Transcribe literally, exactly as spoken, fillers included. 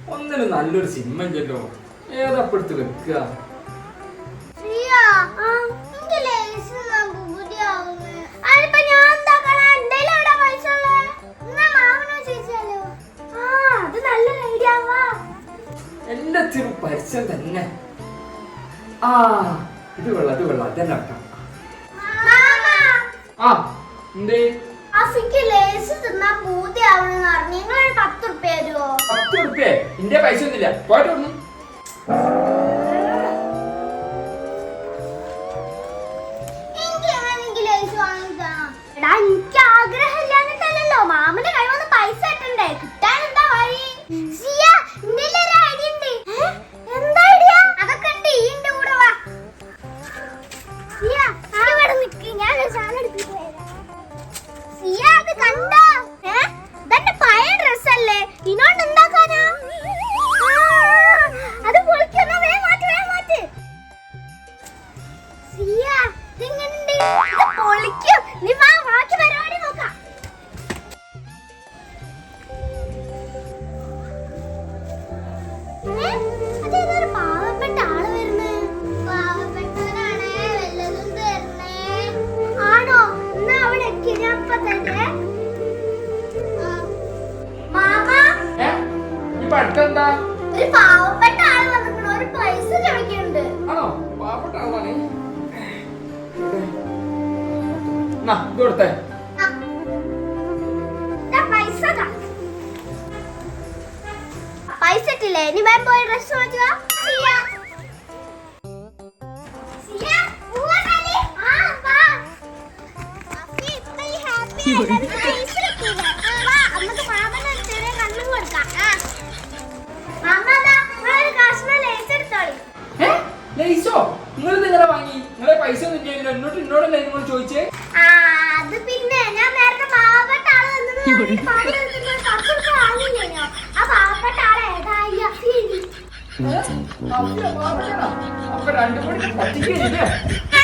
ഒന്നിനും നല്ലൊരു സിനിമ ഇല്ലല്ലോ. ഏതപ്പെടുത്ത് വെക്കുക? എല്ലാത്തിനും പരസ്യം തന്നെ. ആ ഇത് കൊള്ളാം, ഇത് കൊള്ളാം, അതന്നെ വെക്കാം. ആ എന്തേ പത്ത് റുപ്യ ഇന്റെ പൈസ ഒന്നുമില്ല. പോയിട്ട് വന്നു. എനിക്ക് ആഗ്രഹമില്ലാന്നിട്ടല്ലോ, മാമന്റെ കൈ വന്ന് പൈസ കിട്ടണ്ടേ? കിട്ടാൻ എന്താ വഴി? എന്താ ഐഡിയ? അതൊക്കെ ഉണ്ട്, ഈ എന്റെ കൂടെ വാ. ഞാൻ അത് കണ്ടോ? ഇതന്നെ പഴയ ഡ്രസ് അല്ലേ, ഇനോണ്ട് എന്താക്കാനാ? അത് പൊളിക്കുന്ന വേ മാറ്റി വേ മാറ്റി ഇതെങ്ങനെയുണ്ട്? ഇത് പൊളിക്കും. നീ വാ, ബാക്കി പരിപാടി നോക്കാം. അതേതൊരു പാവപ്പെട്ട ആള് വരുന്നേ. പാവപ്പെട്ടവനാണ്, വല്ലതും തരണേ. ആണോ? എന്നാ അവിടെ ഞാൻ തന്നെ. മാമാ, ഒരു പാവപ്പെട്ട ആള് വന്നിട്ടുണ്ട്, ഒരു പൈസ ചോദിക്കുന്നുണ്ട്. ആണോ? പാവപ്പെട്ട ആളാണ്. കൊടുത്തേ പൈസ ഇട്ടില്ലേ? ഇനി വേം പോയി ഡ്രസ് മാറ്റുക. നിങ്ങൾ നിങ്ങളെ വാങ്ങി, നിങ്ങളെ പൈസ ഒന്നും ഇല്ലല്ലോ. എന്നോട്ട് എന്നോടല്ലേ നിങ്ങൾ ചോദിച്ചേ? അത് പിന്നെ ഞാൻ നേരത്തെ പാവപ്പെട്ട ആള് ആ പാവപ്പെട്ട ആളെ അപ്പൊ രണ്ടു കൂടി പറ്റിക്കില്ലേ?